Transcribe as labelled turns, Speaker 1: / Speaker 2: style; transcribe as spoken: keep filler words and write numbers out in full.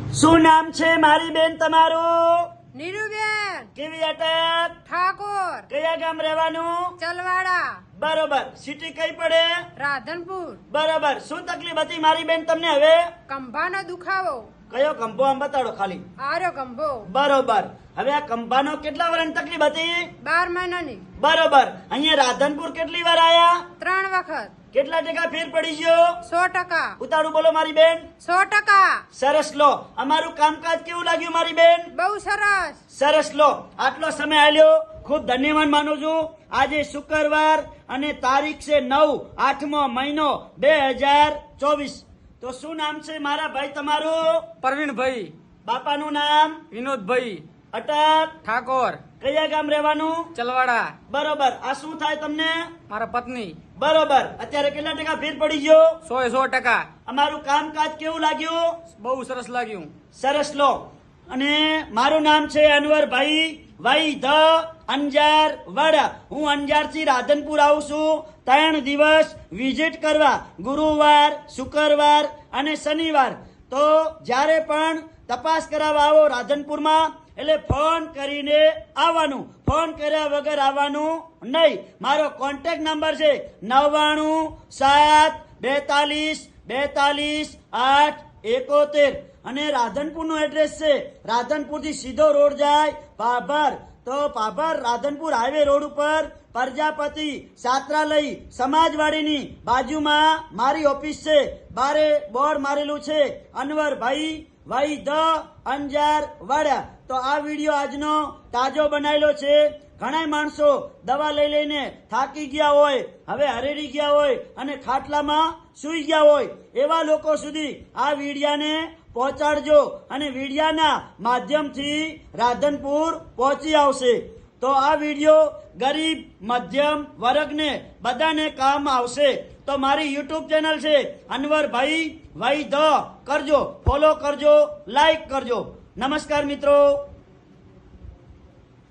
Speaker 1: શું નામ છે મારી બેન તમારું?
Speaker 2: નીરુબેન
Speaker 1: કેવી અટક?
Speaker 2: ઠાકોર
Speaker 1: કયા ગામ રહેવાનું?
Speaker 2: ચલવાડા
Speaker 1: બરોબર. સિટી કઈ પડે?
Speaker 2: રાધનપુર
Speaker 1: બરોબર. શું તકલીફ હતી મારી બેન તમને હવે?
Speaker 2: કંભાનો દુખાવો
Speaker 1: કયો કંભો આમ બતાડો ખાલી.
Speaker 2: આર્યો કંભો
Speaker 1: બરોબર. હવે આ કંભાનો કેટલા વર્ષની તકલીફ હતી?
Speaker 2: બાર મહિનાની
Speaker 1: બરોબર. અહીંયા રાધનપુર કેટલી વાર આયા?
Speaker 2: ત્રણ વખત
Speaker 1: કેટલા ટકા ફેર પડી ગયો?
Speaker 2: સો ટકા
Speaker 1: ઉતાળું બોલો મારી બેન.
Speaker 2: સો ટકા
Speaker 1: સરસ લો. અમારું કામકાજ કેવું લાગ્યું મારી બેન?
Speaker 2: બહુ સરસ
Speaker 1: સરસ લો. આટલો સમય આલ્યો ખૂબ ધન્યવાદ માનું છું. આજે શુક્રવાર અને તારીખ છે નવ આઠમો મહિનો બે હજાર ચોવીસ. તો શું નામ છે મારા ભાઈ તમારું?
Speaker 3: પરવીણભાઈ,
Speaker 1: બાપાનું નામ?
Speaker 3: વિનોદભાઈ
Speaker 1: અટક.
Speaker 3: ઠાકોર,
Speaker 1: કયા ગામ રહેવાનું?
Speaker 3: ચલવાડા.
Speaker 1: બરોબર. આ શું થાય તમને?
Speaker 3: મારા પત્ની.
Speaker 1: બરોબર. અત્યારે કેટલા ટકા ફેર પડી ગયો?
Speaker 3: સો એ સો ટકા.
Speaker 1: અમારું કામકાજ કેવું લાગ્યું?
Speaker 3: બહુ સરસ લાગ્યું.
Speaker 1: સરસ લો. અને મારું નામ છે અનવરભાઈ વાઈ ધ અંજાર વાડા. હું અંજાર થી રાધનપુર આવું છું ત્રણ દિવસ વિઝિટ કરવા, ગુરુવાર, શુક્રવાર અને શનિવાર. તો જ્યારે પણ તપાસ કરાવવા આવો રાધનપુરમાં એટલે ફોન કરીને આવવાનું, ફોન કર્યા વગર આવવાનું નહીં. મારો કોન્ટેક્ટ નંબર છે નવ્વાણું સાત બેતાલીસ બેતાલીસ આઠ એકોતેર. અને રાધનપુરનું એડ્રેસ છે, રાધનપુર થી સીધો રોડ જાય પાભર. તો પાભર રાધનપુર હાઈવે રોડ ઉપર પ્રજાપતિ છાત્રાલય સમાજવાડીની બાજુમાં મારી ઓફિસ છે. બારે બોર્ડ મારેલું છે અનવરભાઈ વાઈ ધ અંજાર વાડા. તો આ વિડીયો આજનો તાજો બનાવેલો છે. ઘણા માણસો દવા લઈ લઈને થાકી ગયા હોય, હવે હરેડી ગયા હોય અને ખાટલામાં સૂઈ ગયા હોય, એવા લોકો સુધી આ વિડિયાને પહોંચાડજો અને વિડિયાના માધ્યમથી રાધનપુર પહોંચી આવશે. તો આ વિડીયો ગરીબ મધ્યમ વર્ગને બધાને કામ આવશે. તો મારી યુટ્યુબ ચેનલ છે અનવરભાઈ વાઈ ધ, કરજો, ફોલો કરજો, લાઈક કરજો. નમસ્કાર મિત્રો.